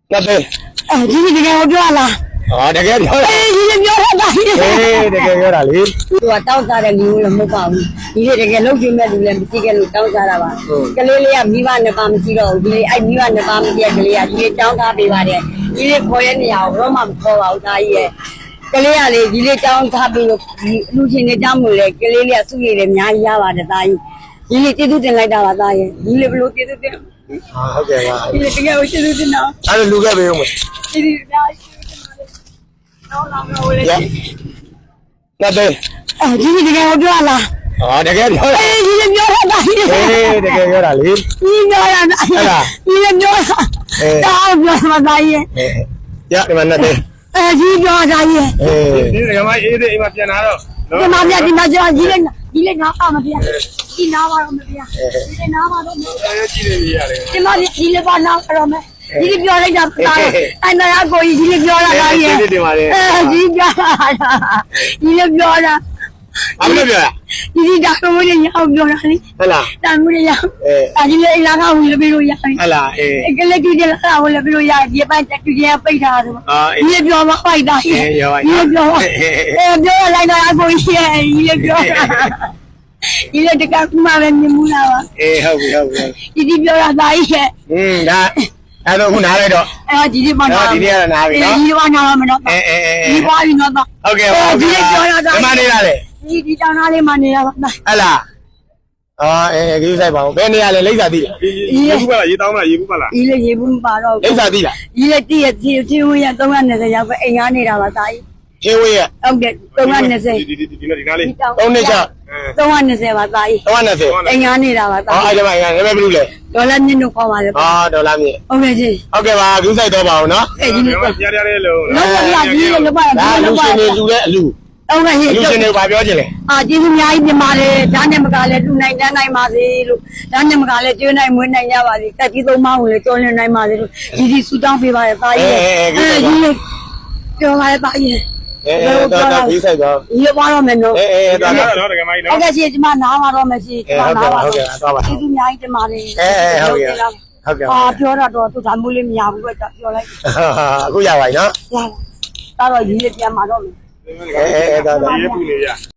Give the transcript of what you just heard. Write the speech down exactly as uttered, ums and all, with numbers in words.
ကပဲအဲဒီတကယ်ကိုပြောလားအော်တကယ်ပြောတယ်အေးဒီပြောတာအေးတကယ်ပြောတာလေသူကတောင်းစားတဲ့လူလည်းမဟုတ်ပါဘူးဒီတကယ်လုံးကျင်းမဲ့လူလည်းမရှိခဲ့လို့တောင်းစားတာပါကလေးလေးကမိဘနှစ်ပါးမရှိတော့ဘူးဒီအဲ့မိဘနှစ်ပါးမရှိတဲ့ကလေးကဒီတောင်းစားပေးပါတယ်ဒီလေးခေါ်ရနေရအောင်တော့မှမခေါ်ပါဘူးဒါကြီးရဲ့ကလေးကလေဒီလေးတောင်းစားပြီးလို့ဒီလူချင်းတွေတောင်းလို့လေကလေးလေးကစုရည်တယ်အများကြီးရပါတယ်ဒါကြီးဒီလေးကျေးဇူးတင်လိုက်တာပါသားရဲ့ဒီလေးဘလို့ကျေးဇူးတင်ဟာဟုတ်ကဲ့ပါဒီလေးတကယ်ကိုကျေးဇူးတင်တော့အဲ့ဒါလူခဲ့ပေးဦးမယ်ဒီလေးအများကြီးတော့လာတော့လေကပဲအဲဒီတကယ်ကိုပြောလားအော်တကယ်ပြောတယ်အေးဒီပြောတာအေးတကယ်ပြောတာလေဒီပြောတာအဲ့ဒါဒီပြောတာတောင်းပြောမှာသားရဲ့ရဒီမှာနဲ့အဲဒီပြောတာရဲ့ဒီကမအေးတဲ့အိမ်မှာပြန်လာတော့ဒီမှာပြဒီမှာကျဒီလေးဒီလေးနားပါမပြဒီနားပါတော့မပြဒီလေးနားပါတော့အဲကြည့်နေရတယ်ဒီမှာဒီလေးပါနားတော့မယ်ဒီလေးပြောလိုက်တာသားအဲ့နာကိုကြီးဒီလေးပြောတာသားရဲ့အဲဒီပြောတာဒီလေးပြောတာအမလို့ပြောတာဒီဒီတာကိုလည်းရအောင်ပြောတာလေဟုတ်လားတာမှုလည်းရအောင်အဲဒီလေးအလားကဝင်လို့ပြလို့ရတယ်ဟုတ်လားအေးကလေးကြီးလည်းလာဝင်လို့ပြလို့ရတယ်ဒီပိုင်းတက်ကြီးပိတ်ထားတယ်ဒီပြောမပိုက်တာဒီပြောအဲပြောလိုက်တော့အကိုကြီးရဲ့ဒီလေးပြောတာဒီလေးတကကမှပဲမြင်မှုလားပါအေးဟုတ်ပြီဟုတ်ပြီဒီဒီပြောတာသားကြီးရဲ့อืมဒါအဲ့တော့ခုနားလိုက်တော့အဲဒီဒီမှာဒီနေ့ကနားပြီနော်ဒီဒီမှာနားမနော်အေးအေးအေးဒီပါပြီနော်ဟုတ်ကဲ့ပါဒီလေးပြောတာဒီမှာနေရလေဒီဒီတောင်းသားလေးမှနေရပါလားဟလားအော်အေးကြီးဆိုင်ပါဦးဘယ်နေရလဲလိမ့်စာသိလားရေဘူးပါလားရေတောင်းမလားရေဘူးပါလားဒီလေရေဘူးမပါတော့လိမ့်စာသိလားဒီလေတည့်ရတီတီဝရသုံး၂၀ရောက်ပဲအိမ်ကားနေတာပါသားကြီးဟင်းဝေးရဟုတ်ကဲ့သုံး၂၀ဒီဒီဒီဒီနားလေးသုံးနှစ်ချသုံး၂၀ပါသားကြီးသုံး၂၀အိမ်ကားနေတာပါသားအော်အဲ့ဒါမှအိမ်ကားနာမည်ဘယ်လိုလဲဒေါ်လာမြင့်တို့ခေါ်ပါလေအော်ဒေါ်လာမြင့်ဟုတ်ကဲ့ကြီးဟုတ်ကဲ့ပါဂူးဆိုင်တော့ပါအောင်နော်အဲ့ဒီလိုပြရရလေးလို့လောက်ပါကြီးလောက်ပါဒါလူရှင်တွေလူတဲ့အလူဟုတ်ကဲ့လူရှင်တွေဘာပြောချင်လဲအာကျေးဇူးအများကြီးတင်ပါတယ်ဒါနဲ့မကလည်းတူနိုင်တန်းနိုင်ပါစေလို့ဒါနဲ့မကလည်းကျွေးနိုင်မွေးနိုင်ကြပါစေတက်ကြီးသုံးပါးကိုလည်းကြော်လွန်နိုင်ပါစေလို့ဒီဒီဆူတောင်းပေးပါရသားကြီးအဲဒီပြောပါရသားကြီးအေးတော့တော့ပြီးဆိုင်တော့ရေပါတော့မယ်နော်အေးအေးတော့တော့တကယ်မကြီးနော်ဟုတ်ကဲ့ရှင်ဒီမှာနားပါတော့မယ်ရှင်ဒီမှာနားပါဟုတ်ကဲ့တော့ပါကျေးဇူးအများကြီးတင်ပါတယ်အေးအေးဟုတ်ကဲ့ဟုတ်ကဲ့အာပြောတာတော့သူဒါမျိုးလေးမရဘူးပဲပြောလိုက်အခုရပါပြီနော်ရပါတော့ရည်ရပြန်มาတော့မယ်အေးအေးတော့ရေပူနေရ